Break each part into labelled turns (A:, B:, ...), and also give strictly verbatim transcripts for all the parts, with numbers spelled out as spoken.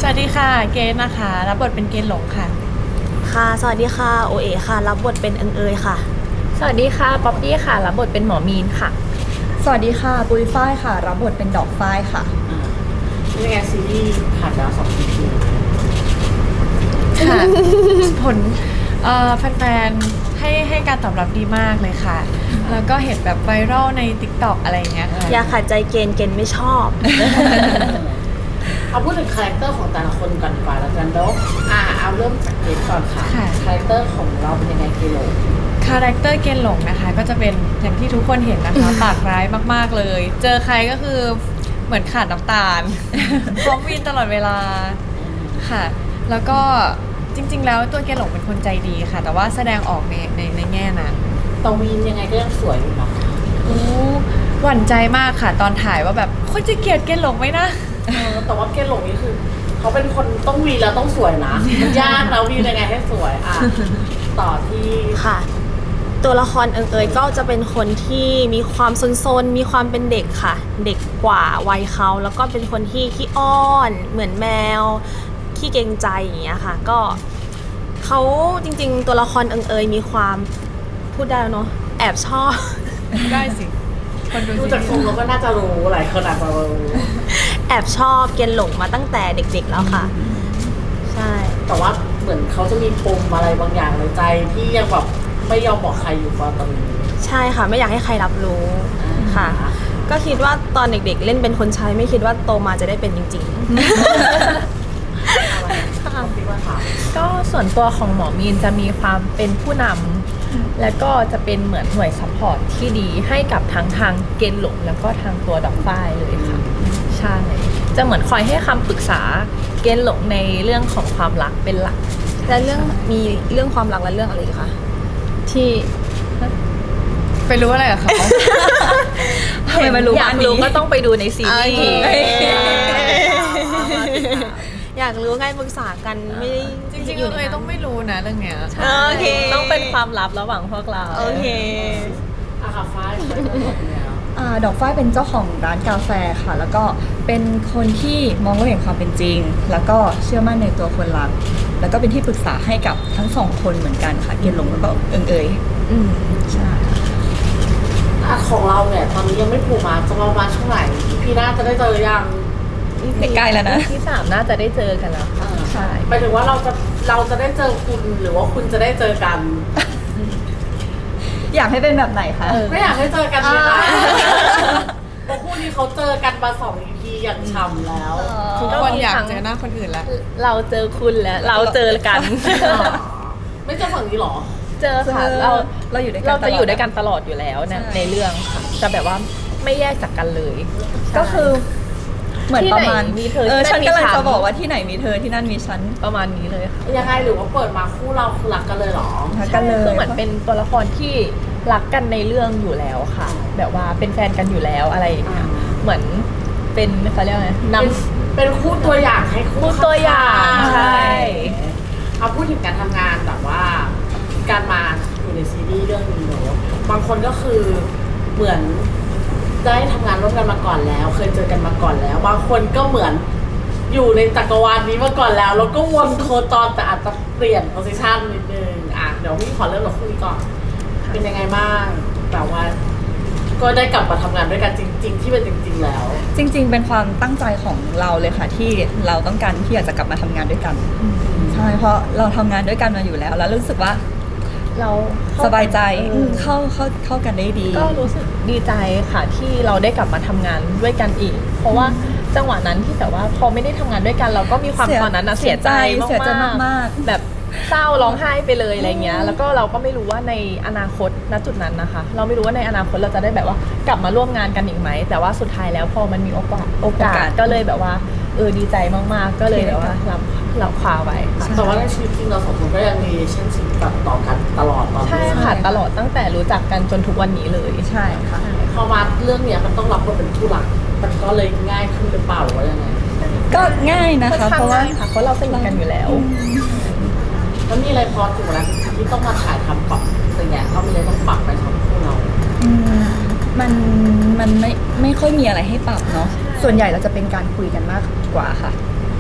A: สวัสดีค่ะเกณฑ์นะคะรับบทเป็นเกณฑ์หลงค่ะ
B: ค่ะสวัสดีค่ะโอเอค่ะรับบทเป็นเอิงเอยค่ะ
C: สวัสดีค่ะป๊อปปี้ค่ะรับบทเป็นหมอมีนค่ะ
D: สวัสดีค่ะปุ้ยฝ้ายค่ะรับบทเป็นดอกฝ้ายค่ะ
E: นี่ไงซีรีส์ผ่านแล้วสองปี
A: ค่ะผลเอ่อแฟนๆให้ให้การตอบรับดีมากเลยค่ะแล้วก็เห็นแบบไวรัลใน ติ๊กต็อก อะไรอย่างเงี้ยค่ะ
B: อย่าขัดใจเกณฑ์เกณฑ์ไม่ชอบ
E: เอาพูดถึงคาแรคเตอร์ของแต่ละคนก่อนดีกว่าแล้วกันแล้วอ่าเอาเริ่มจากเกณฑ์ก่อนค่ะคาแรคเตอร์ของเราเป็นยังไงกิโล
A: คาแรคเตอร์เกณฑ์หลงนะคะก็จะเป็นอย่างที่ทุกคนเห็นนะคะปากร้ายมากๆเลยเจอใครก็คือเหมือนขาดน้ำตาลพร้อมวินตลอดเวลาค่ะแล้วก็จริงๆแล้วตัวเกณฑ์หลงเป็นคนใจดีค่ะแต่ว่าแสดงออกในในในแง่นั้น
E: ตวีนยังไงก็ยังสวยอยู่นะ
A: โอ้หวั่นใจมากค่ะตอนถ่ายว่าแบบคนจะเกลียดเกณฑ์หลงไหมนะ
E: แต่ว่าเกณฑ์หลงนี่คือเขาเป็นคนต้องวีแล้วต้องสวยนะยากนะวียังไงให้สวยอ่ะต่อที่
B: ค่ะตัวละครเอิงเอยก็จะเป็นคนที่มีความซนๆมีความเป็นเด็กค่ะเด็กกว่าวัยเขาแล้วก็เป็นคนที่ขี้อ้อนเหมือนแมวขี้เกรงใจอย่างเงี้ยค่ะก็เขาจริงๆตัวละครเอิงเอยมีความพูดได้แล้วเนาะแอบชอบ
A: ได้สิคน
E: ดูจากทรงเราก็น่าจะรู้หลายคนอาจจะรู้
B: แอบชอบเกณฑ์หลงมาตั้งแต่เด็กๆแล้วค่ะใช่
E: แต่ว่าเหมือนเขาจะมีปมอะไรบางอย่างในใจที่ยังแบบไม่ยอมบอกใครอยู่ตอนนี้
B: ใช่ค่ะไม่อยากให้ใครรับรู้ค่ะก็คิดว่าตอนเด็กๆเล่นเป็นคนใช้ไม่คิดว่าโตมาจะได้เป็นจริงๆ
C: ก็ส่วนตัวของหมอมีนจะมีความเป็นผู้นำและก็จะเป็นเหมือนหน่วยซัพพอร์ตที่ดีให้กับทั้งทางเกณฑ์หลงแล้วก็ทางตัวดอกฝ้ายเลยค่ะใช่จะเหมือนคอยให้คำปรึกษาเกณฑ์หลงในเรื่องของความรักเป็นหลัก
B: และเรื่องมีเรื่องความรักและเรื่องอะไรอีกคะที่
A: ไปรู้อะไรกับเขา
C: ทำไมมารู้อยากรู้ก็ต้องไปดูในซีรีส์
B: อยากรู้ไงปรึกษากันไม่
A: จริงๆอยู่เลยต้องไม่รู้นะเรื่องเนี้ย
C: โอเคต้องเป็นความลับระหว่างพวกเรา
B: โอเค
E: อาคาฟ้า
D: ดอกฝ้ายเป็นเจ้าของร้านกาแฟค่ะแล้วก็เป็นคนที่มองโลกแห่งความเป็นจริงแล้วก็เชื่อมั่นในตัวคนรักแล้วก็เป็นที่ปรึกษาให้กับทั้งสองคนเหมือนกันค่ะเกณฑ์หลงแล้วก็เอิงเอย
B: อืม
D: ใช่
E: ของเราเนี่ยตอนนี้ยังไม่ผูกมาจะประมาณช่วงไหนพี่น่าจะได้เจอยัง
D: ใกล้แล้วนะ
C: ที่สามน่าจะได้เจอกันแล้ว
E: ใช่หมายถึงว่าเราจะเราจะได้เจอคุณหรือว่าคุณจะได้เจอกัน
D: อยากให้เป็นแบบไหนคะ
E: ไม่อยากให้เจอกันเลยนะเพราะคู่นี้เขาเจอกันมาสอง อี พี อย่างฉ่ำแล้ว
A: ทุกคนอยากเจอหน้าคนอื่นแล้ว
C: เราเจอคุณแล้วเราเจอกัน
E: ไม่เจอฝั่งนี้หรอ
C: เจอค่ะเรา
D: เราอยู่ด้วยกัน
C: เราจะอยู่ด้วยกันตลอดอยู่แล้วนะในเรื่องค่ะจะแบบว่าไม่แยกจากกันเลย
D: ก็คือเหมือนประมาณ
C: มีเธอ
D: เออฉันกำลังจะบอกว่าที่ไหนมีเธอที่นั่นมีฉัน
C: ประมาณนี้เลยค่ะ
E: ยังไงหรือว่าเปิดมาคู่เราคือรักกันเลยหรอ
D: รักกันเลย
C: คือเหมือนเป็นตัวละครที่รักกันในเรื่องอยู่แล้วค่ะแบบว่าเป็นแฟนกันอยู่แล้วอะไรอย่างเงี้ยเหมือนเป็นเขาเรียกว่าไงน
E: ำเป็นคู่ตัวอย่างให้
C: คู่ตัวอย่างใช่
E: เอาพูดถึงการทำงานแบบว่าการมาอยู่ในซีรีส์เรื่องนี้เนอะบางคนก็คือเหมือนได้ทำงานร่วมกันมาก่อนแล้วเคยเจอกันมาก่อนแล้วบางคนก็เหมือนอยู่ในจักรวาลนี้มาก่อนแล้วแล้วก็วนโคจรแต่อาจจะเปลี่ยนโพสิชันนิดนึงอ่ะเดี๋ยวพี่ขอเริ่มกับคู่นี้ก่อนเป็นยังไงบ้างแต่ว่าก็ได้กลับมาทำงานด้วยกันจริงๆที่เป็นจริงๆแล้ว
D: จริงๆเป็นความตั้งใจของเราเลยค่ะที่เราต้องการที่อยากจะกลับมาทำงานด้วยกันใช่เพราะเราทำงานด้วยกันมาอยู่แล้วแล้วรู้สึกว่า
C: เรา
D: สบายใจเข้าเข้าเข้ากันได้ดี
C: ก็รู้สึกดีใจค่ะที่เราได้กลับมาทำงานด้วยกันอีกเพราะว่าจังหวะนั้นที่แบบว่าพอไม่ได้ทำงานด้วยกันเราก็มีความตอนนั้นนะเสียใจมากๆแบบเศร้าร้องไห้ไปเลยอะไรเงี้ยแล้วก็เราก็ไม่รู้ว่าในอนาคตณจุดนั้นนะคะเราไม่รู้ว่าในอนาคตเราจะได้แบบว่ากลับมาร่วมงานกันอีกไหมแต่ว่าสุดท้ายแล้วพอมันมีโอกาสโอกาสก็เลยแบบว่าเออดีใจมากๆก็เลยแบบว่ารับรับคว้าไว้
E: แต่ว่าในชีวิตจริงเราสองคนก็ยังมีเช่นสิ่งต่อต่อกันตลอดตอนนี้
C: ใช่ค่ะตลอดตั้งแต่รู้จักกันจนทุกวันนี้เลย
D: ใช่ค่ะ
E: พอมาเรื่องเนี้ยมันต้องรับบทเป็นผู้หลักมันก็เลยง่ายขึ้นหรือเปล่าว่ายังไง
D: ก็ง่ายนะคะเพราะว่า
C: เพราะเราสนิทกันอยู่แล้ว
E: แล้วมีอะไรพอถึงเวลาที่ต้องมาถ่ายทำปรับอะไรเงี้ยเขามีอะไรต้องปรับไปทำคู่เรา
D: มันมันไม่ไม่ค่อยมีอะไรให้ปรับเนาะส่วนใหญ่เราจะเป็นการคุยกันมากกว่าค่ะ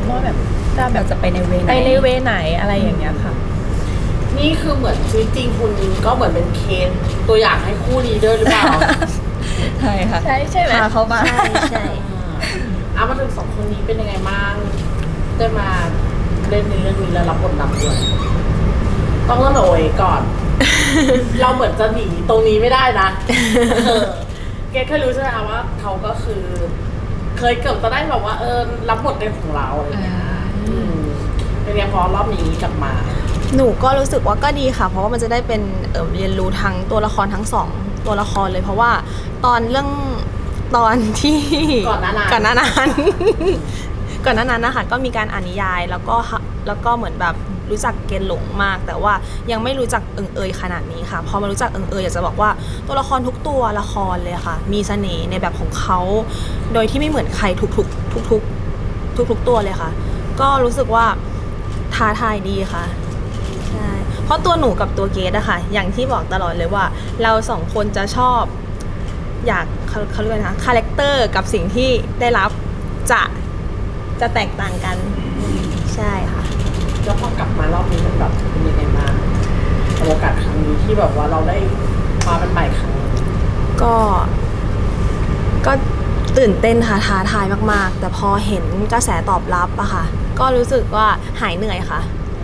C: ว่าแบบจะแบ
D: เรา
C: บ
D: จะไปในเวไหน
C: ไปในเวไหนอะไรอย่างเงี้ยค่ะ
E: นี่คือเหมือนชีวิตจริงคุณก็เหมือนเป็นเคสตัวอย่างให้คู่นี้ด้วยหรือเปล่า
D: ใช่ค่ะ
C: ใช่ใช่ไหม
D: พาเขามา
B: ใช่ใช่
E: อ่ามาถึงสองคนนี้เป็นยังไงบ้างได้มาเล่นในเรื่องนี้แล้วรับบทนำด้วยต้องเริ่มจากโอยก่อน เราเหมือนจะหนีตรงนี้ไม่ได้นะเออเกดเคยรู้ใช่ไหมคะว่าเขาก็คือ เคยเกือบจะได้แบบว่า เออรับบทเป็นของเราอะไรอย่างเงี้ยอืมเป็นไงพอรอบนี้กลับมา
B: หนูก็รู้สึกว่าก็ดีค่ะ เพราะว่ามันจะได้เป็นเอ่อเรียนรู้ทั้งตัวละครทั้งสองตัวละครเลย เพราะว่าตอนเรื่องตอนที่
E: ก่อนหน้านั้น
B: ก่อนหน้านั้น ก่อนหน้านั้นนะคะก็มีการอ่านนิยายแล้วก็ฮะแล้วก็เหมือนแบบรู้จักเกณฑ์หลงมาก แต่ว่ายังไม่รู้จักเอิงเอยขนาดนี้ค่ะพอมารู้จักเอิงเอยอยากจะบอกว่าตัวละครทุกตัวละครเลยค่ะ มีเสน่ห์ในแบบของเขาโดยที่ไม่เหมือนใครทุกๆทุกๆทุกๆตัวเลยค่ะ ก็รู้สึกว่าท้าทายดีค่ะ ใช่ เพราะตัวหนูกับตัวเกดอะค่ะ อย่างที่บอกตลอดเลยว่า เราสองคนจะชอบ อยากเขาเขาเรียกว่านะคาแรคเตอร์กับสิ่งที่ได้รับจะจะแตกต่างกัน ใช่ค่ะ
E: แล้วพอกลับมารอบนี้มันแบบเป็นยังไงบ้างกับโอกาสครั้งนี้ที่แบบว่าเราได้มาเป็นใหม่ครั้งนี้
B: ก็ ก็ตื่นเต้นค่ะท้าทายมากๆ แต่พอเห็นกระแสตอบรับอะค่ะ ก็รู้สึกว่าหายเหนื่อยค่ะ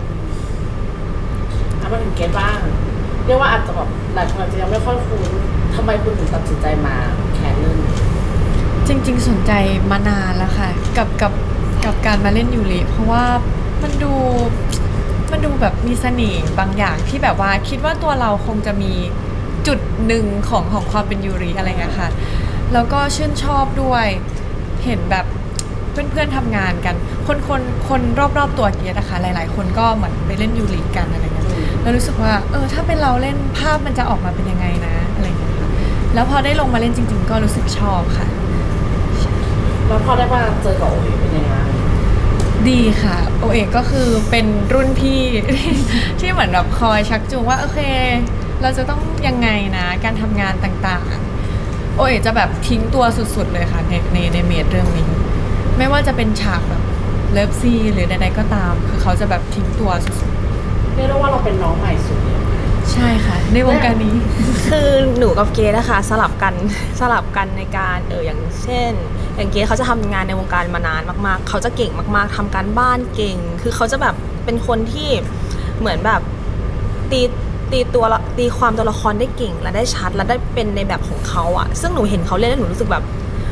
E: ถ้ามาถึงเกตบ้าง เรียกว่าอาจจะแบบหลายคนอาจจะยังไม่ค่อยคุ้นทำไมคุณถึงตัดสินใจมาแคสเรื่องนี้
A: จริงๆสนใจมานานแล้วค่ะ กับกับกับการมาเล่นยูริเพราะว่ามันดูมันดูแบบมีเสน่ห์บางอย่างที่แบบว่าคิดว่าตัวเราคงจะมีจุดหนึ่งของของความเป็นยูริอะไรเงี้ยค่ะแล้วก็ชื่นชอบด้วยเห็นแบบเพื่อนๆทำงานกัน คนคนคนรอบๆตัวเกียรตินะคะหลายๆ คนก็เหมือนไปเล่นยูริกันอะไรเงี้ยแล้วรู้สึกว่าเออถ้าเป็นเราเล่นภาพมันจะออกมาเป็นยังไงนะอะไรเงี้ยค่ะแล้วพอได้ลงมาเล่นจริง ๆ ก็รู้สึกชอบค่ะ
E: แล้วพอได้มาเจอกับโอเอเป็นยังไง
A: ดีค่ะโอเอกก็คือเป็นรุ่นพี่ ที่เหมือนแบบคอยชักจูงว่าโอเค เราจะต้องยังไงนะการทำงานต่างๆโอเอกจะแบบทิ้งตัวสุดๆเลยค่ะในในในเมดเรื่องนี้ ไม่ว่าจะเป็นฉากแบบเลิฟซีหรือใดๆก็ตาม คือเขาจะแบบทิ้งตัวสุด
E: เรียกได้ว่าเราเป็นน้องใหม่สุดเลย
A: ๆใช่ค่ะ ในวงการนี้
B: คือหนูกับเกดนะคะสลับกัน สลับกันในการเอออย่างเช่น อย่างเกดเขาจะทำงานในวงการมานานมากๆ เขาจะเก่งมากๆทำการบ้านเก่ง คือเขาจะแบบเป็นคนที่เหมือนแบบตีตีตัวละตีความตัวละครได้เก่งและได้ชัดและได้เป็นในแบบของเขาอะซึ่งหนูเห็นเขาเล่นแล้วหนูรู้สึกแบบ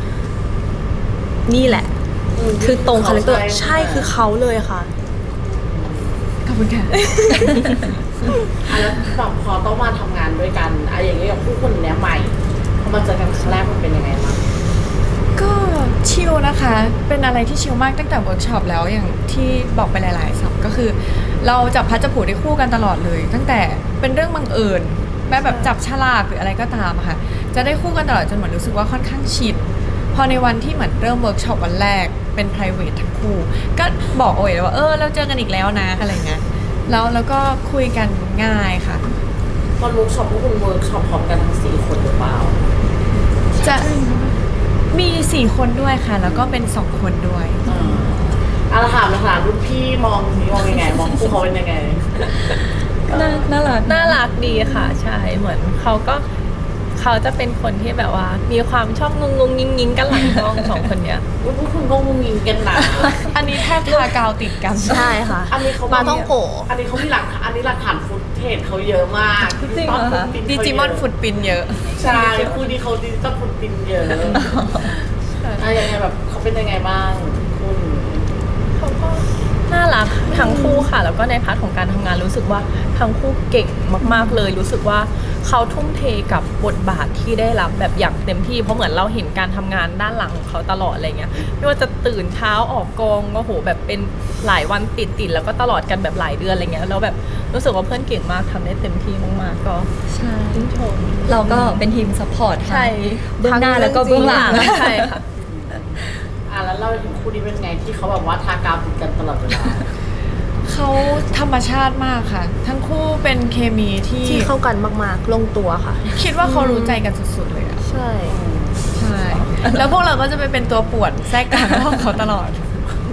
B: นี่แหละ คือตรงคาแรคเตอร์ใช่คือเขาเลยค่ะ
A: ขอบคุณค่ะ
E: อ่ะแล้วแบบพอต้องมาทำงานด้วยกันอะอย่างเงี้ยกับผู้คนเนี้ยใหม่พอมาเจอกันครั้งแรกมันเป็นยังไงบ้าง
A: ก็ชิลนะคะ เป็นอะไรที่ชิลมากตั้งแต่เวิร์กช็อปแล้วอย่างที่บอกไปหลายๆสับก็คือ เราจับพัดจับผูได้คู่กันตลอดเลย ตั้งแต่เป็นเรื่องบังเอิญแม้แบบจับฉลากหรืออะไรก็ตามอะค่ะ จะได้คู่กันตลอดจนเหมือนรู้สึกว่าค่อนข้างชินพอในวันที่เหมือนเริ่มเวิร์กช็อปวันแรกเป็น private ทั้งคู่ ก็บอกโอ้ยเลยว่าเออเราเจอกันอีกแล้วนะอะไรเงี้ยแล้วแล้วก็คุยกันง่ายค่ะ
E: ตอนเวิร์กช็อปพวกคุณเวิร์กช็อปพร้อมกันทั้งสี่คนหรือเปล่า
A: จะมีสี่คนด้วยค่ะ แล้วก็เป็นสองคนด้วย
E: อ่าอ่ะถามนะถามรุ่นพี่มองมองยังไง มองคู่เขาเป็นยังไง
D: น่าน่ารัก
C: น่ารักดีค่ะใช่เหมือนเขาก็เขาจะเป็นคนที่แบบว่า มีความชอบงงงๆยิงๆกันหลังกล้อง สองคนเนี้ย
E: ว่าพวกคุณก็งุงงิงกันหนา
A: อันนี้แทบทากาวติดกัน
B: ใช่ค่ะ
E: อันนี้เขา
B: ปลาท่องโก
E: อันนี้เขามีหลักอันนี้หลักฐานฟุตเทจเขาเยอะมาก
D: จริงเหรอคะ
A: ดิจิมอนฟุตปินเยอะ
E: ใช่คู่นี้เขาดิจิตอลฟุตปินเยอะอะยังไงแบบเขาเป็นยังไงบ้างคุณ
C: เขาก็น่ารักทั้งคู่ค่ะ แล้วก็ในพาร์ทของการทำงานรู้สึกว่าทั้งคู่เก่งมากๆเลย รู้สึกว่าเขาทุ่มเทกับบทบาทที่ได้รับแบบอย่างเต็มที่เพราะเหมือนเราเห็นการทำงานด้านหลังของเขาตลอดอะไรเงี้ยไม่ว่าจะตื่นเช้าออกกองก็โหแบบเป็นหลายวันติดติดๆแล้วก็ตลอดกันแบบหลายเดือนอะไรเงี้ยแล้วแบบรู้สึกว่าเพื่อนเก่งมากทำได้เต็มที่มากๆก็
D: ใช่
C: ชื่นชม
D: เราก็เป็นทีมซัพพอร์ต
C: ใช่
D: เบื้องหน้าแล้วก็เบื้องหลัง
C: ใช่ค่ะ
E: อ่ะแล้วเราถึงคู่นี้เป็นไงที่เขาแบบว่าทากาวติดกันตลอดเวลา
A: เขาธรรมชาติมากค่ะ ทั้งคู่เป็นเคมีที่
B: ที่เข้ากันมากๆ ลงตัวค่ะ
A: คิดว่าเขารู้ใจกันสุดๆเลยอะ
B: ใช่
A: ใช่ แล้วพวกเราก็จะไปเป็นตัวป่วนแทรกกลางห้องเขาตลอด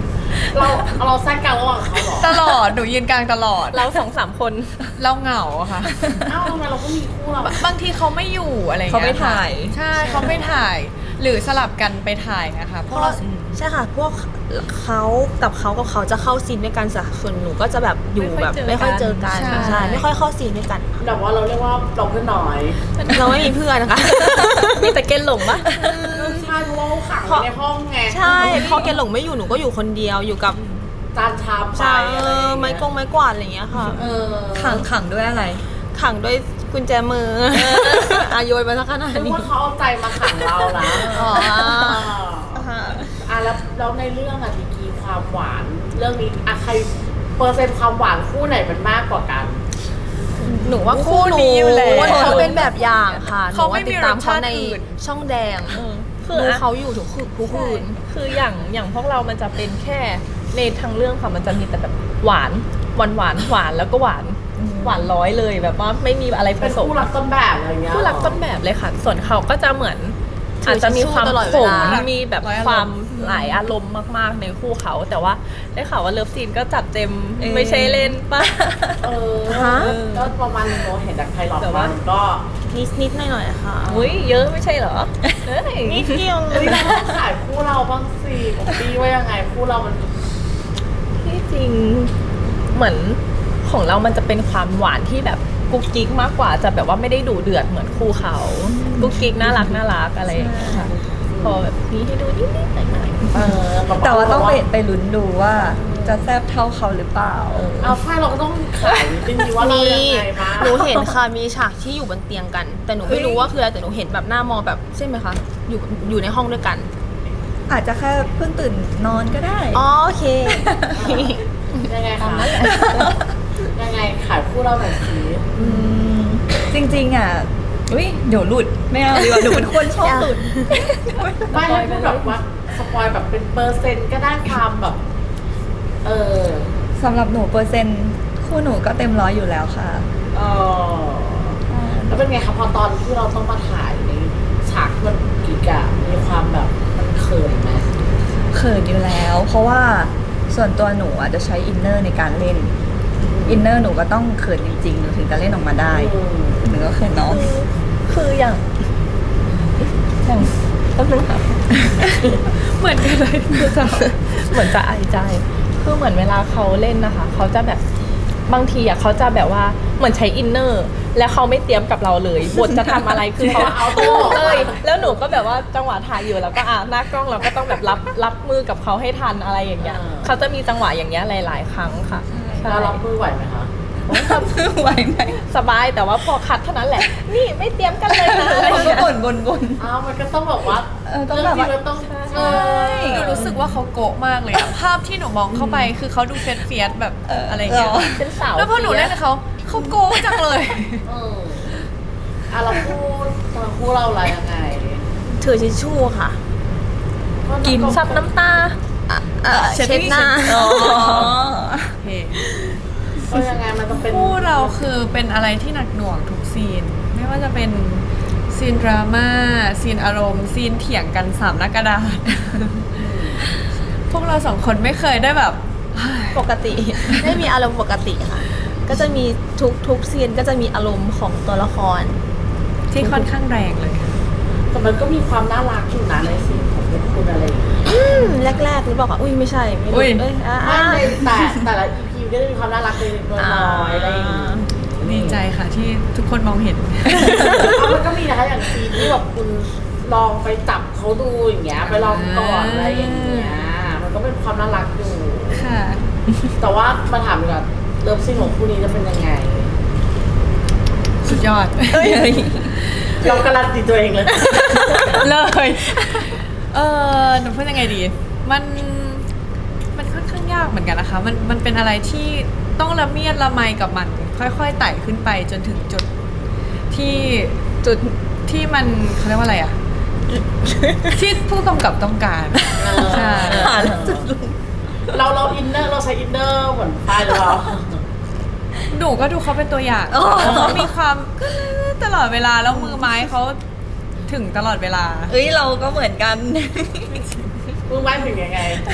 E: เราเราแทรกกลางระหว่างเขาเหรอ
A: ตลอดหนูยืนกลางตลอด
C: เราสองสามคน
A: เราเหงาอะค่ะ
E: เอ้าทำไมเราก็มีคู่เรา
A: บางทีเขาไม่อยู่อะไรอย่าง
D: เขา
A: เงี้ย
D: ไม่ถ่าย
A: ใช่เขาไม่ถ่าย หรือสลับกันไปถ่ายนะคะเพ
B: เพ
A: ราะ
B: ราะ
A: เรา
B: ใช่ค่ะ พวกเขากับเขากับเขาจะเข้าซีนด้วยกันส่ส่วนหนูก็จะแบบอยู่แบบไม่ค่อยเจอกันใช่ไม่ค่อยเข้าซีนด้วยกัน
E: แบบว่าเราเรียกว่าเราเพื่อนน้อย
B: เราไม่มีเพื่อนนะคะ
C: มีแต่เกณฑ์หลงปะ
E: ใช่เพราะว่าเขาขังอยู่ในห้องไง
B: ใช่พอแกหลงไม่อยู่หนูก็อยู่คนเดียวอยู่กับ
E: จานชามไป
B: ใช่
E: อะไรอย่างเงี้ย
B: ไม้กงไม้กวาดอะไรอย่างเงี้ยค่ะ
E: เออ
D: ขังขังด้วยอะไร
B: ขังด้วยกุญแจมืออาโยนมาสักขนาด
E: นึก
B: นี้
E: ว่าเขาเอาใจมาขังเรานะ
B: อ๋อ
E: อ่ะแล้วแล้วในเรื่องอะดีกรีความหวาน เรื่องนี้อะใครเปอร์เซ็นต์ความหวานคู่ไหนมันมากกว่ากัน
B: หนูว่าคู่หนู
A: นี้อยู่แล้ว
B: เขาเป็นแบบอย่างค่ะหนู
A: เขาไม่
B: ว่า
A: มี
B: ติดตามเขาใน
A: รสชาติอื่น
B: ช่องแดง
C: คือ
B: ดู
C: อะ
B: เขาอยู่ทุกคืนทุกคืน
C: คืออย่างอย่างพวกเรามันจะเป็นแค่ในทางเรื่องค่ะมันจะมีแต่แบบหวานหวานหวานหวานแล้วก็หวานหวานร้อยเลยแบบว่าไม่มีอะไรผ
E: เป็น
C: สม
E: คู่รักต้นแบบอะไรอย่างเงี้ย
C: ผู้รักต้นแบบเลยค่ะ ส่วนเขาก็จะเหมือน
B: ถือ
C: อาจจะมีความ
B: ตลอด
C: ข
B: เว
C: ม
B: ลา
C: มีแบบ
A: ร้อยอารมณ์
C: ความหลายอารมณ์มากๆในคู่เขา แต่ว่าได้ข่าวว่าเลิฟซีนก็จัดเต็ม
D: เอ๊ะ
C: ไม่ใช่เล่นป่ะ
E: เออ
B: ฮะ
E: ก็ประมาณนึงโนเห็นจากไพลอต
C: แต่ว่า
E: มันก็
B: นิดนิดหน่อยหน่อยๆค่ะ
C: อุ้ยเยอะไม่ใช่เหรอเฮ้ย
B: นิดเดียวเล
E: เอ้
B: ย
E: ยเราต้องขายคู่เราบ้างสิผมปีว่ายังไงคู่เรามัน
C: ที่จริงเหมือนของเรามันจะเป็นความหวานที่แบบกุ๊กกิ๊กมากกว่าจะแบบว่าไม่ได้ดูเดือดเหมือนคู่เขากุ๊กกิ๊กน่ารักน่ารักอะไรอย่างเงี้ยค่ะพอแบบนี้ให้ดูนิดๆหน่อย
E: เออบบ
D: แต่ว่าต้องไปไปลุ้นดูว่าจะแซบเท่าเขาหรือเปล่า
E: เอาใช่เราก็ต้องขายจริงๆว่าเรา
B: มี
E: ยังไงมา
B: หนูเห็นค่ะมีฉากที่อยู่บนเตียงกัน แต่หนูไม่รู้ว่าคืออะไรแต่หนูเห็นแบบหน้ามองแบบใช่ไหมคะอยู่อยู่ในห้องด้วยกัน
D: อาจจะแค่เพิ่งตื่นนอนก็ได้
B: อ๋อโอเค
E: ยังไงคะยังไงขายคู่เราหน่อยสิ
D: อืมจริงๆอ่ะอุ้ยเดี๋ยวหลุดไม่เอาดีกว่าหนูเป็นคนชอบหลุด
E: ไม่ให้พูดแบบว่าสปอยแบบเป็นเปอร์เซ็นต์ก็ได้ความแบบ เออ
D: สำหรับหนูเปอร์เซ็นต์คู่หนูก็เต็มร้อยอยู่แล้วค่ะ
E: เออแล้วเป็นไงคะพอตอนที่เราต้องมาถ่ายในฉากที่มันกีกอะมีความแบบมันเขินไหม
D: เขินอยู่แล้ว เพราะว่าส่วนตัวหนูอาจจะใช้อินเนอร์ในการเล่น อินเนอร์หนูก็ต้องเขินจริงๆหนูถึงจะเล่นออกมาได้
E: อืม
D: หนูก็เขินน้อง
C: ๆคืออย่างอย่างแป๊บนึงค่ะ
A: เหมือนกันเลยคือจะ
C: เหมือนจะอายใจ คือเหมือนเวลาเขาเล่นนะคะ เขาจะแบบบางทีอ่ะเขาจะแบบว่าเหมือนใช้อินเนอร์ แล้วเขาไม่เตรียมกับเราเลยบทจะทำอะไรคือเขา
E: เอาตัวออกมา
C: เลย แล้วหนูก็แบบว่าจังหวะถ่ายอยู่แล้วก็อ่ะหน้ากล้องเราก็ต้องแบบรับรับมือกับเขาให้ทันอะไรอย่างเงี้ย
E: อ่า
C: เขาจะมีจังหวะอย่างเงี้ยหลาย ๆ ครั้งค่ะใช่
E: เรารับมือไหวไหมคะ
D: ไหวไหม
C: สบายแต่ว่าพอคัดเท่านั้นแหละ นี่ไม่เตรียมกันเลยนะอะไรอย่าง
D: ก็
C: เงี้ย
D: บ่นบ่นบ่น
E: อ้าวมันก็ต้องแบบว่า
D: เออต้องแบบว่า
E: เรื่จริงมันต้อง
C: ใช่
E: เออ
A: หนูรู้สึกว่าเขาโกะมากเลยอะภาพที่หนูมองเข้าไปคือเขาดูเฟียสเฟียสๆแบบ
D: เอออ
A: อะไรอย่างเงี้ย
D: หรอ
C: เป็นสาว
A: แล้วพอหนูเล่นกับเขาเขาโกะจังเลย
E: เอออ่ะเราพูดเราพูดเราอะไรยังไง
B: ถือทิชชู่ค่ะ
C: กินซับน้ำตา
B: เอ่อ
A: เช็ด
B: เช็ดหน้า
A: อ๋อ
D: โอเค
E: ก็ยังไงมันต้องเป็น
A: คู่เราคือเป็นอะไรที่หนักหน่วงทุกซีน ไม่ว่าจะเป็นซีนดราม่าซีนอารมณ์ซีนเถียงกันสามหน้ากระดาษ พวกเราสองคนไม่เคยได้แบบ
B: ปกติ ไม่มีอารมณ์ปกติค่ะ ก็จะมีทุกทุกซีนก็จะมีอารมณ์ของตัวละคร
A: ที่ค่อนข้างแรงเลย
E: แต่มันก็มีความน่ารักอยู่นะในซีนของเป็นคุณอะไรอย่างเงี้ย
B: อืมแรกๆหรือเปล่าคะอุ้ยไม่ใช่ไม่
A: อุ๊
B: รู้
A: ย
B: เอ้ยอ่า
E: ไม่ในแต่แต่ละ อี พี ก็จะมีความน่ารักเล็กๆน้อยๆอะไรอย่างเงี้ย
A: ดีใจค่ะที่ทุกคนมองเห็น
E: เอามันก็มีนะคะอย่างซีนที่แบบคุณลองไปจับเขาดูอย่างเงี้ยไปลองก่อนอะไรอย่างเงี้ยมันก็เป็นความน่ารักอยู่
A: ค่ะ
E: แต่ว่ามาถามดีกว่าเลิฟซีนของคู่นี้จะเป็นยังไง
A: สุดยอด
E: เราการันตีตัวเองเลย
A: เลย เออหนูพูดยังไงดี มัน มันค่อนข้างยากเหมือนกันนะคะ มัน มันเป็นอะไรที่ต้องละเมียดละไมกับมัน ค่อยๆไต่ขึ้นไปจนถึงจุดที่จุดที่มันเขาเรียกว่าอะไรอะ ที่ผู้กำกับต้องการ ใช่
E: เราเราอินเนอร์เราใช้อินเนอร์เหมือนไฟล์เลยเหรอ
A: หนูก็ดูเขาเป็นตัวอย่างเขามีความตลอดเวลาแล้วมือไม้เขาถึงตลอดเวลา
D: เอ้ยเราก็เหมือนกัน
E: มือไม้ถึงยังไง
A: ห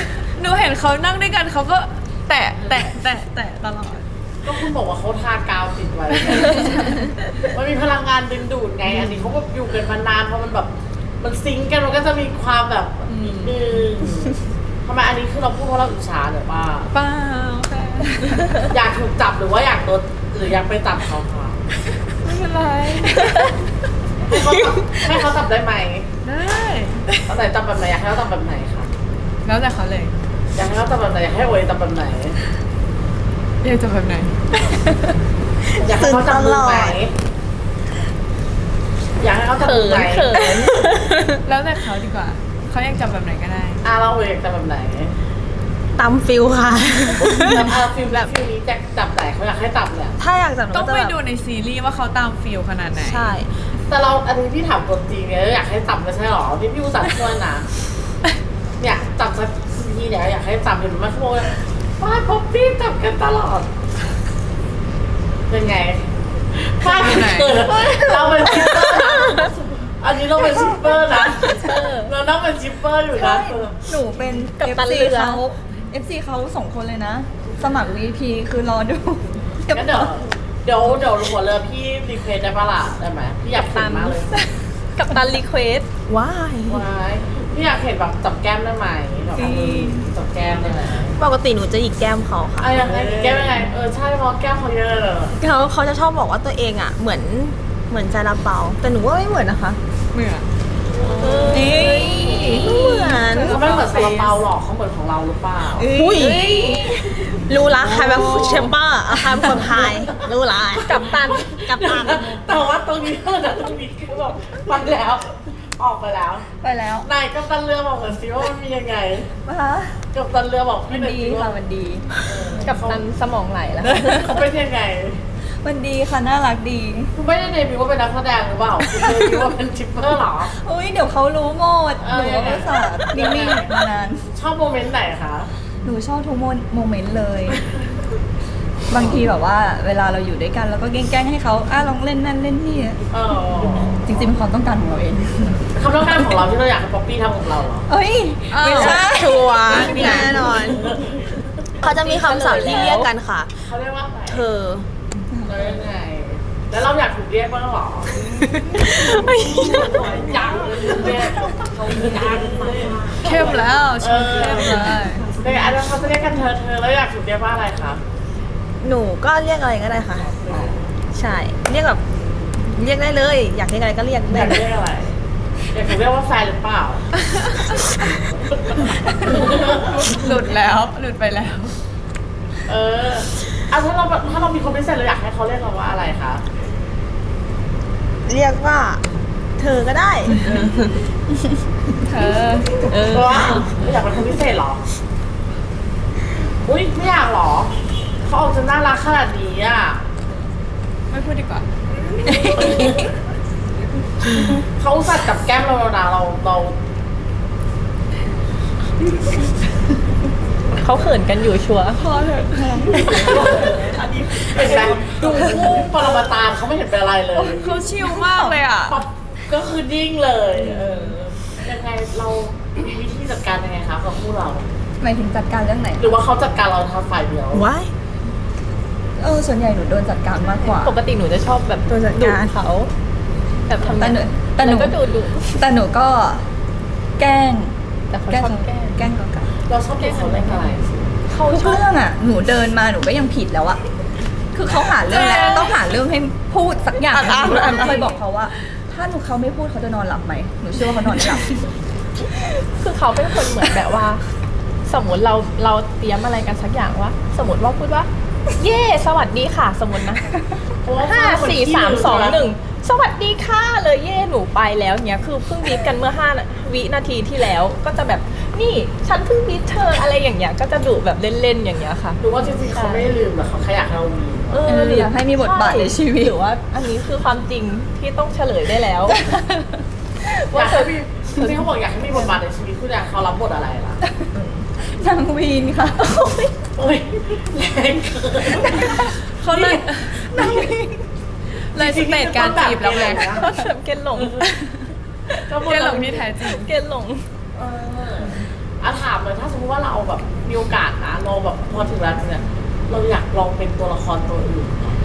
A: หนูเห็นเขานั่งด้วยกันเขาก็แตะแตะแตะแตะตลอด
E: ก็คุณบอกว่าเขาทากาวติดไว้ มันมีพลังงานดึงดูดไง อันนี้เขาก็อยู่กันมานานเพราะมันแบบ มันซิงก์กันมันก็จะมีความแบบนิดนึงทำไมอันนี้คือเราพูดเพราะเราอิจฉาหรือป่า
A: เปล่าค่ะ
E: อยากถูกจับหรือว่าอยากโดนหรืออยากไปจับเขาคะ
A: ไม่เป็นไร
E: ให้เขาจับให้เขาจับได้ไหม
A: ได้
E: เอาแต่จับแบบไหนอยากให้เขาจับแบบไหนคะ
A: แล้วแต่เขาเลย
E: อยากให้เขาจับแบบไหนอยากให้โอยจับแบบไหน
A: อยากจะแบบไหน
E: อยากให้เขาจับมือไหมอยากให้เขาจับ
C: เขิ
E: มือไหม
C: นเขิน
A: แล้วแต่เขาดีกว่าเขาอยากจับแบบไหนก็ได้
E: อ่ะเราโอยอยากจับแบบไหน
B: ตามฟิลค่ะ
E: แล้วเอาฟิลแบบฟิลนี้จะจับไหนเขาอยากให้จับเนี่ย
B: ถ้าอยากจับหนู
A: ต้อ
B: ก็
A: ง
B: จะ
A: ไป
B: แบบ
A: ดูในซีรีส์ว่าเขาตามฟิลขนาดไหน
B: ใช่
E: แต่เราอันนี้พี่ถามตัวจริงเนี่ยอยากให้จับไม่ใช่หรอที่พี่อุตส่าห์ช่วยนะเนี่ยจับสักทีเนี่ยอยากให้จับเห็นไหมขโมยฟ้าพบพี่จับกันตลอดเป็นไงฟ้าเป็นเกิดเราเป็นชิปเปอร์นะอันนี้เราเป็นชิปเปอร์นะเราต้องเป็นชิปเปอร์อยู่นะ
D: หนูเป็น
C: กัปตัน
D: เอฟซี
C: เรือ
D: เขา เอฟ ซี เขาสองคนเลยนะ สมัคร วี พี คือรอดู
E: งั้นเดี๋ยวเดี๋ยวเดี๋ยวหัวเรือพี่รีเควสได้ปะล่ะได้ไหมพี่อยากเห็นมากเลย
C: กับตันรีเควส
B: ว้าย
E: ว้ายพี่อยากเห็นแบบจับแก้มได้ไหมแบบเอามือจับแก้มได้ไหม
B: ปกติหนูจะหยิกแก้มเขาค่ะ
E: อะยังไงแก้มยังไงเออใช่เพราะแก้มเขาเยอะเลย
B: เขาเขาจะชอบบอกว่าตัวเองอ่ะ เหมือนเหมือนซาลาเปาแต่หนูว่าไม่เหมือนนะคะ
A: เหมือน
B: นี่เหมือน
E: เขาไม่เหมือนซาลาเปาหรอกเขาเหมือนของเราหรือเปล่า
B: อุ้ยรู้ละใครเป็นแชมเปอร์ใครเป็นคนไทยรู้ละ
C: กับตัน
B: กับตัน
E: แต่ว่าตรงนี้เท่านั้นตรงนี้คือแบบไปแล้ว ออกไปแล้ว
D: ไปแล้ว
E: นายกัปตันเรือบอกหน่อยสิว่ามันมียังไง
D: นะคะ
E: กัปตันเรือบอก
D: มั
E: พี่
D: น
E: หน่อย
D: ดี
E: สิ
D: ค่ะ
E: ว่า
D: มันดี
C: กับตันสมองไหลแล้ว
E: เขาเป็นยังไง
D: มันดีค่ะ น่ารักดี
E: คุณไม่ได้เดบิวต์ว่าเป็นนักแสดงหรือเปล่าคุณเดบิวต์ว่าเป็นชิปเปอร์เหรอ
D: อุ้ยเดี๋ยวเขารู้หมด
E: เอ
D: ห
E: อ
D: นูก็ไม่สาดนิ่งๆมานาน
E: ชอบโมเมนต์ไหนคะ
D: หนูชอบทุกโมเมนต์เลย บางทีแบบว่า เวลาเราอยู่ด้วยกันเราก็แกล้งๆให้เขาอ่ะลองเล่นนั่นเล่นนี่
E: เออ
D: จริงๆเป็นความต้องการของเราเอง
E: คำต้องการของเราที่เราอยากให้ป๊อปปี้ทำกับเราเหรอ
D: เอ้ย
B: ไม่ใช่ชัวร์แน่นอน เขาจะมีคำศัพท์ที่เรียกกันค่ะ
E: เขาเรียกว่าอะไร
B: เธอ
E: เรายังไง แล้วเราอยากถูกเรียกบ้างเหรอยังเรียกเขายัง
A: เข้มแล้วชมเข้มเลย
E: ในอันนั้นเขาจะเรียกกันเธอเธอแล้วอยากถูกเรียกว่าอะไรคะ
B: หนูก็เรียกอะไรก็ได้ค่ะ ใช่ เรียกแบบเรียกได้เลย อยากเรียกอะไรก็เรียก
E: อ
B: ได้
E: ยาก
B: เลย
E: เรียกอะไร อยากถูกเรียกว่าแฟนหรือเปล่า
A: หลุดแล้วหลุดไปแล้ว
E: เออเอาถ้าเราถ้าเรามีคนพิเศษเราอยากให้เขาเรียกเราว่าอะไรคะ
B: เรียกว่า เธอก็ได้
A: เธอ
E: เพราะว่าอยากเป็นคนพิเศษเหรอ อุ้ยไม่อยากเหรอ เขาออกจะน่ารักขนาดนี้อ่ะ
A: ไม่พูดดีกว่า
E: เขาอุตสัตว์จับแก้มเราแล้วนะเราเรา
C: เขาเขินกันอยู่ชัวร์
E: อันนี้เห็นไหมดูคู่ปรมาจารย์เขาไม่เห็นเป็นอะไรเลย
A: เขาชิลมากเลยอ่ะ
E: ปั๊บก็คือนิ่งเลยเออยังไงเรามีวิธีจัดการยังไงคะกับคู่เรา
D: หมายถึงจัดการเรื่องไหน
E: หรือว่าเขาจัดการเราทางฝ่ายเดียว
B: ว้าย
D: เออส่วนใหญ่หนูโดนจัดการมากกว่า
C: ปกติหนูจะชอบแบบ
B: โดนจัด
C: ดุ
B: การ
C: เขา แบบทำ
D: แต่หนูแต่หนู
C: ล้วก็ดูดุ
D: แต่หนูก็แกล้ง
C: แต่เขา
D: แกล้ง
C: ชอบแกล้ง
D: แกล้งกับกัน
E: เราชอบดูเขาเล่นอะไร
C: เขา
D: ทุก
C: ชอบ
D: เรื่องอ่ะ หนูเดินมาหนูก็ยังผิดแล้วอะคือเขาหาเรื่องแล้วต้องหาเรื่องให้พูดสักอย่างหนึ่งหนูเคยบอกเขาว่า ถ้าหนูเขาไม่พูดเขาจะนอนหลับไหมหนูเชื่อว่าเขานอนไม่หลับ
C: คือเขาเป็นคนเหมือนแบบว่า สมมติเราเราเตรียมอะไรกันสักอย่างว่า สมมติว่าพูดว่า เย่สวัสดีค่ะ สมมตินะ
E: เพราะว่า
C: ห้า
E: เขาเป็นคน
C: สี่
E: ขี้
C: สาม
E: ลื
C: สอง
E: นะ
C: หนึ่งสวัสดีค่ะเลยเย่หนูไปแล้วเนี้ยคือเพิ่งบีบกันเมื่อห้าวินาทีที่แล้ว ก็จะแบบนี่ฉันเพิ่งบีบเธออะไรอย่างเงี้ยก็จะดุแบบเล่นๆอย่างเงี้ยค่ะ
E: หรือว่าจริงๆเขาไม่ได้ลืมแต่เขาแค่อยากให้เรามี
C: เอ
D: เอออยากให้มีบทบาทในชีวิต
C: หรือว่า อันนี้คือความจริงที่ต้องเฉลยได้แล้ว
E: อยากให้มีจริงๆเขาบอกอยากให้มีบทบาทในชีวิตคุณอยากเขารับบทอะไรล่ะ
D: นางวีนค่ะ
E: โอ้ยแรงเกิน
A: เขาเลยเลยสเตจการจีบแล้วไง
C: เขาแบบเกณฑ์หลง
E: ก็บ
A: เก
E: ท
A: ลหลงที่แท้จริง
C: เกณฑ์หลง
E: เอออ่ะถามเลยถ้าสมมติว่าเราแบบมีโอกาสนะเราแบบพอถึงแล้วเนี่ยเราอยากลองเป็นตัวละครตัวอื่นไหม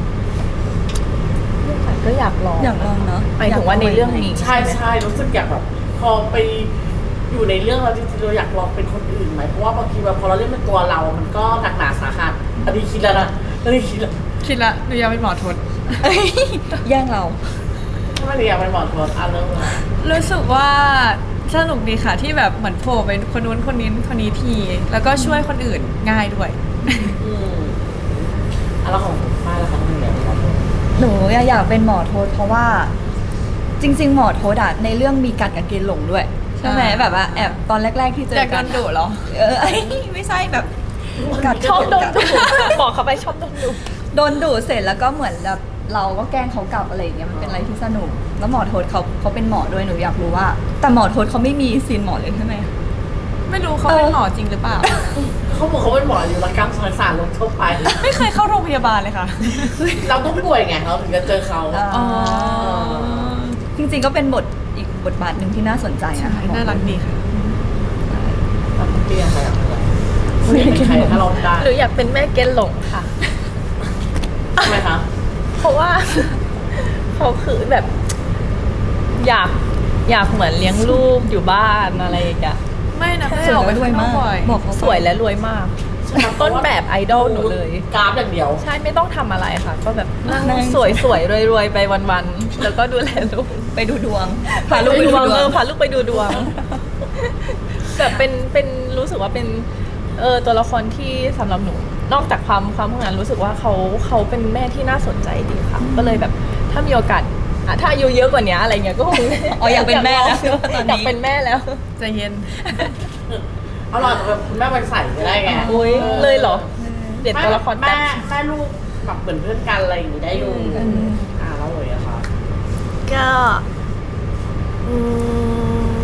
C: ก็อยากลอง
D: อยากลองเนาะ
C: หมายถึงว่าในเรื่องนี้
E: ใช่ใช่รู้สึกอยากแบบพอไปอยู่ในเรื่องเราจริงๆเราอยากลองเป็นคนอื่นไหมเพราะว่าบางทีแบบพอเราเล่นเป็นตัวเรา มันก็หนักหนาสาหัสอันนี้คิดแล้วนะอันนี้คิดแล้ว
A: คิดละหนูอยากเป็นหมอทศ
D: เอ้ยแย่งเรา
E: ถ้าไม่ได้อยากเป็นหมอทวนอ่ะเริ่มเลย
A: รู้สึกว่าสนุกดีค่ะที่แบบเหมือนโผล่เป็นคนนู้นคนนี้คนนี้ที แล้วก็ช่วยคนอื่นง่ายด้วย
E: อืมอ่ะแล้วของฝ้ายล่ะคะทำไมอยากเป็นหมอทวน
D: หนูอยากเป็นหมอโทษเพราะว่าจริง ๆ หมอโทษอะในเรื่องมีกัดกับเกณฑ์หลงด้วยใช่ไหม
A: ใช่
D: แบบว่าแอบตอนแรก ๆที่เจ
A: อยา
D: อก กั
A: โดนดุเหรอ
D: เออ ไม่ใช่แบบกัด
C: ชอบโดนดุบอกเขาไปชอบโดนดุ
D: โดนดุเสร็จแล้วก็เหมือนแบบเราก็แกล้งเขากลับอะไรอย่างเงี้ยมันเป็นอะไรที่สนุกแล้วหมอโทษเขาเขาเป็นหมอด้วยหนูอยากรู้ว่า แต่หมอโทษเขาไม่มีซีนหมอเลยใช่ไหม
A: ไม่รู้เขาเป็นหมอจริงหรือเปล่า
E: เขาบอกเขาเป็นหมออยู่รักกรรมสารสารลงทั่วไป
A: ไม่เคยเข้าโรงพยาบาลเลยค่ะ
E: เราต้องป่วยไงเราถึงจะเจอเขา
D: อ๋อจริงๆก็เป็นบทอีกบทบาทหนึ่งที่น่าสนใจ
A: ใช่
D: นะคะ
A: น่ารักดีค่ะ
E: ทำเตี้ยใครอยากเป็นอะไรเป็นใครถ้าเราได้
C: หรืออยากเป็นแม่เกณฑ์หลงค่ะ
E: ทำไมคะ
C: เพราะว่า เขาคือแบบ อยากอยากเหมือนเลี้ยงลูกอยู่บ้านอะไรอย่างเงี้ย
A: ไม่นะไม่
D: สวย
A: ออกไป
D: แล้วรวย
A: ข้างนอ
D: มาก
A: บ่อย
D: บอกเขา
C: สวยและรวยมาก ต้นแบบไอดอลหนูเลย
E: กราฟอย่างเดียว
C: ใช่ไม่ต้องทำอะไรค่ะ ก็แบบนั่ง
D: นั่ง
C: สวยสวยรวยรวยๆไปวันๆแล้วก็ดูแลลูก
D: ไปดูดวง
C: พาลูกไปดูดวง
D: พา
C: เอ
D: ลู
C: อก
D: ไป
C: พาลูกไปดูดวงแบบเป็นเป็นรู้สึกว่าเป็นเออตัวละครที่สำหรับหนู นอกจากความความพวกนั้นรู้สึกว่าเขาเขาเป็นแม่ที่น่าสนใจดีค่ะ ก็เลยแบบถ้ามีโอกาสอ่ะถ้าอายุเยอะกว่านี้อะไรเงี้ยก็คง
D: อ๋ออยากเป็นแม่แล้วตอนนี้
C: อยากเป็นแม่แล้ว
A: ใจเย็น
E: เอาหล่อจะเป็นคุณแม่วันใส่ก็ได้ไง
C: โอ้ยเลยเหรอ เด็ดตัวละคร
E: แม่
C: แป๊บ
E: แม่ลูกแบบเหมือนเพื่อนกันอะไรอย่างนี้ได้อยู่
D: อืม
E: อ่าแล้วเลยอะค่ะ
B: ก็อืม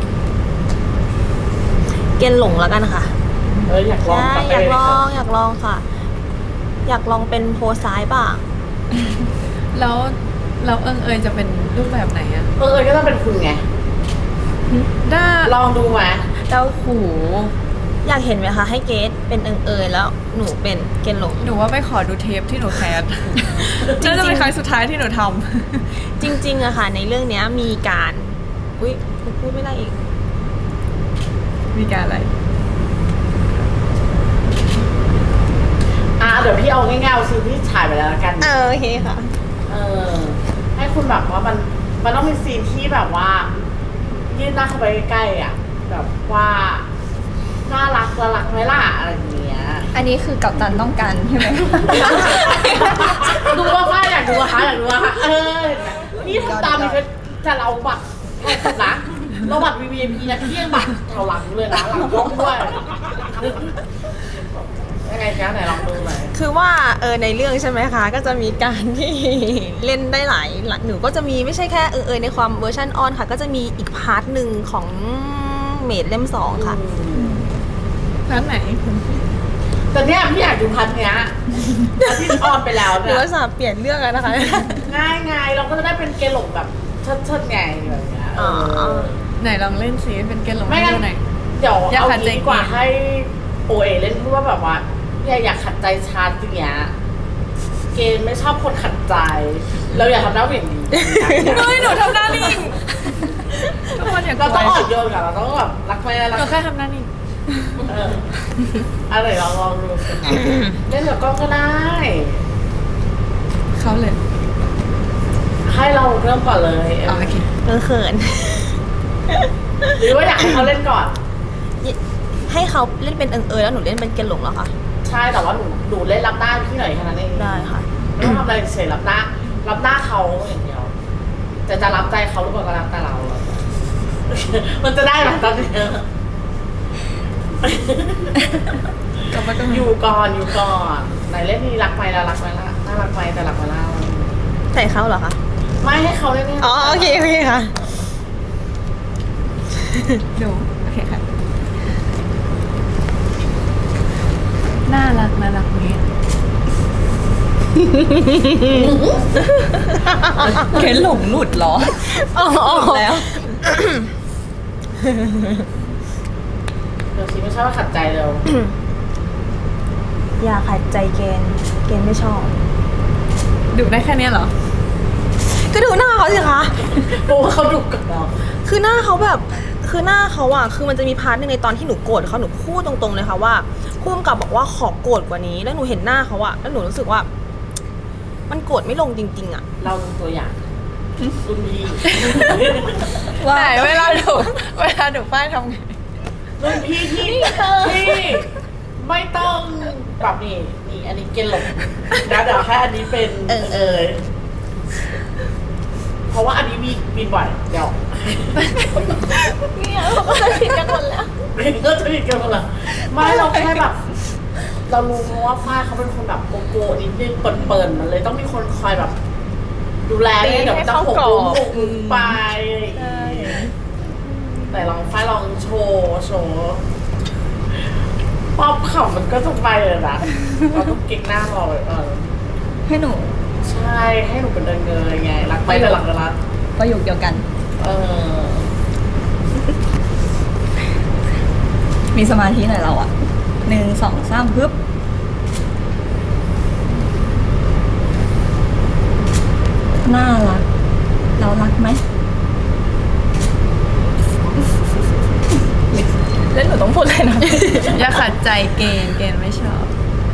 B: เกณฑ์หลงแล้วกันค่ะ
E: เอออยากลอง
B: ใช่
E: กลับไป
B: อยาก
E: เล
B: ล
E: ย
B: อ
E: ค่ะ
B: งอยากลองค่ะ อยากลองเป็นโพซ้ายบ้าง
A: แล้วแล้วเอิงเอยจะเป็นรูปแบบไหนอะ
E: เออเออก็ต้องเป็นคุณไง
A: ด้า
E: ลองดูไหม
B: แล้วหูอยากเห็นไหมคะ ให้เกดเป็นเอิงเอยแล้วหนูเป็นเกณฑ์หลง
A: หนูว่าไปขอดูเทปที่หนูแคส
B: จริงๆ
A: น่าจะเป็นครั้งสุดท้ายที่หนูท
B: จริงๆอะค่ะ ในเรื่องเนี้ยมีการอุ้ยพูดไม่ได้อีก
A: ำมีการอะไร
E: อ่าเดี๋ยวพี่เอาง่ายๆเอาซีนที่ถ่ายไปแล้วละกัน
B: เออโอเคค่ะ
E: เออ ให้คุณแบบว่ามันมันต้องเป็นซีนที่แบบว่า ยื่นหน้าเข้าไปใกล้ๆอ่ะ แบบว่าน่ารักละรักไหมล่ะอะไรอย่างเงี้ย
D: อันนี้คือกัปตันต้องการใช่ไหม
E: ดูว่าฝ้ายอยากดูอะคะอยากดูอะคะเออเห็นไหมนี่ทำตามนี่คือจะเราบัตรเราสุดนะเราบัตร วี วี ไอ พี นะเที่ยงบัตรแถวหลังเลยนะหลังกล้องด้วยยังไงคะไหนลองดูหน่อย
B: คือว่าเออในเรื่องใช่ไหมคะ ก็จะมีการที่ เล่นได้หลายหลักหนูก็จะมีไม่ใช่แค่เออเออในความเวอร์ชันออนค่ะ ก็จะมีอีกพาร์ทหนึ่งของเมดเล่มสองค่ะ
A: ร้านไหน
E: แต่เนี้ยพี่อยากดูพันเนี้ยพันที่ออนไปแล้ว
B: หรื
E: เนี่
B: อย ว่าสาเปลี่ยนเรื่องแล้วนะคะ
E: ง่ายไงเราก็จะได้เป็นเกลหลงแบบเชิดๆไงแบบเนี้ยเออ
B: อ๋อ
A: ไหนลองเล่นสิเป็นเกณฑ์หลง
E: ไม่
A: ให้
E: งั้น
A: ดูหน่อย
E: เดี๋ยว
A: อยาก
E: เอา
A: ขัดใจ
E: งี้ดีกว่า
A: เกม
E: ให้โอเอเล่นพูดว่าแบบว่าเนี่ยอยากขัดใจชาติอย่างเงี้ยเกมไม่ชอบคนขัดใจ เราอยากทำหน้าเหวี่ยงดี
A: เฮ้ยหนูทำหน้านิ่งทุกคนอยาก
E: เราต้อง
A: ก
E: อ่
A: ลั
E: อ
A: วน
E: โยนกับเราต้องแบบรักไม่ได้รัก
A: หนูแค่ทำหน้านิ่ง
E: เอออะไรลองลองดูสิเล่นกับกล้องก็ได้
A: เขาเลย
E: ให้เราเริ่มก่อนเลย
A: อ๋อโอเค
B: เออเขิน
E: หรือว่าอยากให้เขาเล่นก่อน
B: ให้เขาเล่นเป็นเอิงเอยแล้วหนูเล่นเป็นเกณฑ์หลงเหรอคะ
E: ใช่แต่ว่าหนูหนูเล่นรับหน้าพี่หน่อยแค่นั้นเอง
B: ได้ค่ะ
E: ไม่ต้องทำอะไรเฉยรับหน้า รับหน้าเขาอย่างเดียวแต่จะรับใจเขาหรือเปล่าก็รับแต่เรา มันจะได้ไหมตอนนี้
A: กลับมาตรง
E: อ
A: นี้
E: ยู่ก่อนอยู่ก่อนไหนเล่นนี่รักไหมแล้วรักไหมล่ะน่ารักไหมแต่รักไหมล่ะ
B: ใส่เขาเหรอคะ
E: ไม่ให้เขาเล่นนี่ย
B: อ๋อโอเคโอเคค่ะ
A: ดูโอเคค่ะ น่ารักน่ารักนี้
D: เกณฑ์หลงหลุดเหรอ
B: อ๋อ
D: หลุดแล้ว
E: เดี๋ยวสิไม่ใช่ว่าขัดใจเร็ว
B: อย่าขัดใจเกณฑ์เกณฑ์ไม่ชอบ
A: ดูได้แค่เนี้ยเหรอ
B: ก็ดูหน้าเขาสิคะ
E: เพราะว่าเขาดุกับเรา
B: คือหน้าเขาแบบ คือหน้าเขาอะคือมันจะมีพาร์ทหนึงในตอนที่หนูโกรธเขาหนูพูดตรงๆเลยค่ะว่าผู้กำกับบอกว่าขอโกรธกว่านี้ แล้วหนูเห็นหน้าเขาอะแล้วหนูรู้สึกว่า มันโกรธไม่ลงจริงๆอะ
E: เราเป็นตัวอย่างรุ่นพี่
A: ไหนเวลาดูเวลาดูป้ายทำไง
E: รุ่นพี่ที่ที่ไม่ต้องแบบนี้นี่อันนี้เกณฑ์หลงนะเดี๋ยวให้อันนี้เป็นเออเออเพราะว่าอันนี้มีมีบ่อยเดี๋ยว
B: เนี่ยเขาก็จะผิดกันหมดแล้ว
E: ก็จะมีกันหมดละไม่เราแค่แบบ เรารู้ว่าฝ้ายเขาเป็นคนแบบโกโก้นิดนึงเปิ่นๆมันเลยต้องมีคนคอยแบบ ดูแลเนี่ยเดี๋ยวมันจะหกล้มหกมุมไปแต่ลองฝ้ายลองโชว์โชว์ป๊อปเขามันก็จะไปเลยนะเราต้องเก่งหน้ารอเลยเออ
D: ให้หนู
E: ใช่ให้หนูเป็นเดินเงยไงรักไปแต่หลังก็รัก
D: ประโยคเดียวกัน
E: เออ
D: มีสมาธิหน่อยเราอะหนึ่งสองสามปึ๊บน่ารัก เรารักไหม
C: แล้วหนูต้องพูดอะไรนะ
A: อย่าขัดใจเกณฑ์เกณฑ์ไม่ชอบ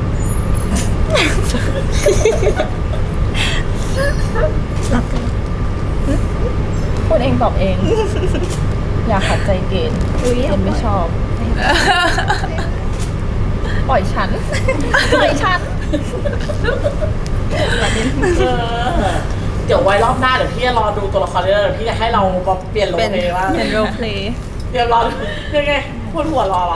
D: รักกัน
C: พูดเองตอบเอง อย่าขัดใจเกณฑ์
D: อุ๊ย
C: เกณฑ์ไม่ชอบ ปล่อยฉัน ปล่อยฉัน
E: เออเดี๋ยวไว้รอบหน้าเดี๋ยวพี่จะรอดูตัวละครเรื่องเดี๋ยวพี่จะให้เราแบบเปลี่ยนโรลเพลย์ว่า
A: เป็นโรลเพลย์
E: เดี๋ยวรอยังไงพูดหัวรอเหรอ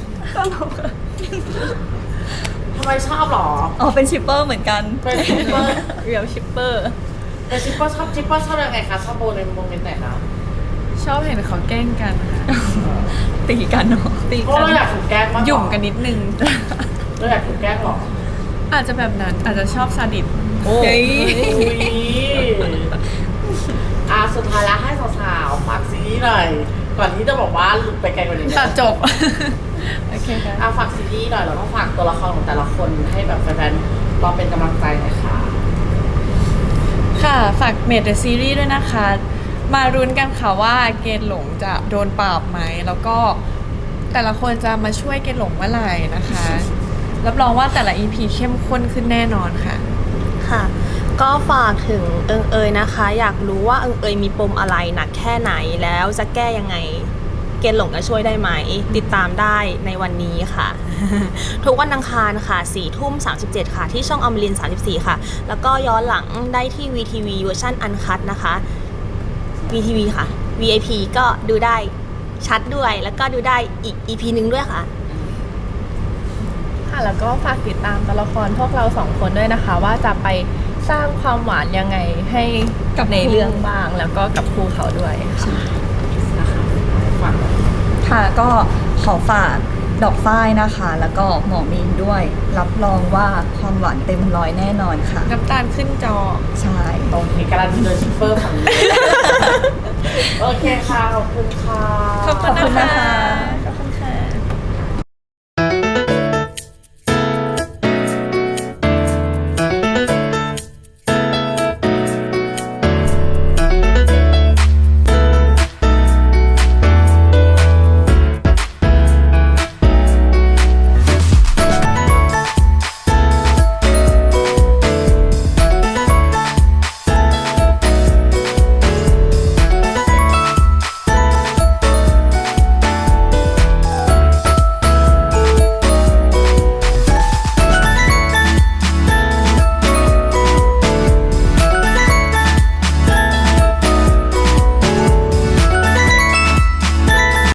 E: ทำไมชอบเหรอ
D: อ๋อเป็นชิปเปอร์เหมือนกัน
E: เป็นชิปเปอร์
C: เรียวชิปเปอร์
E: เป็นชิปเปอร์ชอบชิปเปอร์ชอบยังไงคะชอบโบในโมเมนต์ไหนคะ
A: ชอบเห็นเขาแกล้งกันค่ะ
D: ตีกันเนาะ
A: ตี
E: เพราะ
A: กั
E: เราอยากถูกแกล้งมาก
A: หยุ่มกันนิดนึง
E: เราอยากถูกแกล้งเหรอ
A: อาจจะแบบนั้นอาจจะชอบซาดิส
E: โอ้
D: เฮ้
E: ย
D: ย
E: อ่ะสุดท้ายแล้วให้สาวๆฝากซีรีส์หน่อย ก่อนที่จะบอกว่าหลุดไปไกลกว่านี้
A: ตัดจบ โอเคค่ะ
E: อ่ะฝากซีรีส์หน่อยแล้วก็ฝากตัวละครของแต่ละคนให้แบบแฟนๆรอเป็นกำลังใจหน่อยค่ะ
A: ค่ะ ฝากเมดเดอะซีรีส์ด้วยนะคะ มารุ้นกันค่ะว่าเกณฑ์หลงจะโดนปราบไหม แล้วก็แต่ละคนจะมาช่วยเกณฑ์หลงเมื่อไหร่นะคะ รับรองว่าแต่ละ อี พี เข้มข้นขึ้นแน่นอนค่ะ
B: ค่ะ ก็ฝากถึงเอิงเอยนะคะ อยากรู้ว่าเอิงเอยมีปมอะไรหนักแค่ไหนแล้วจะแก้ยังไง เกณฑ์หลงจะช่วยได้ไหม ติดตามได้ในวันนี้ค่ะ ทุกวันอังคารค่ะสี่ทุ่มสามสิบเจ็ดค่ะ ที่ช่องอมรินทร์สามสิบสี่ค่ะ แล้วก็ย้อนหลังได้ที่ วี ที วี เวอร์ชันอันคัตนะคะ วี ที วี ค่ะ วี ไอ พี ก็ดูได้ชัดด้วย แล้วก็ดูได้อีก อี พี นึงด้วยค่ะ
C: ค่ะแล้วก็ฝากติดตามตัวละครพวกเราสองคนด้วยนะคะ ว่าจะไปสร้างความหวานยังไงให้กับในเรื่องบ้าง แล้วก็กับครูเขาด้วยค่ะ
E: นะคะฝาก
D: ค่ะก็ขอฝากดอกฝ้ายนะคะ แล้วก็หมอมีนด้วย รับรองว่าความหวานเต็มร้อยแน่นอนค่ะ
A: น้ำตาลขึ้นจอ
D: ใช่
E: ตรงนี้การันตีโดยชิปเปอร์ฝั่งนี้ โอเคค่ะ ขอบคุณค่ะ
A: ขอบคุณนะคะ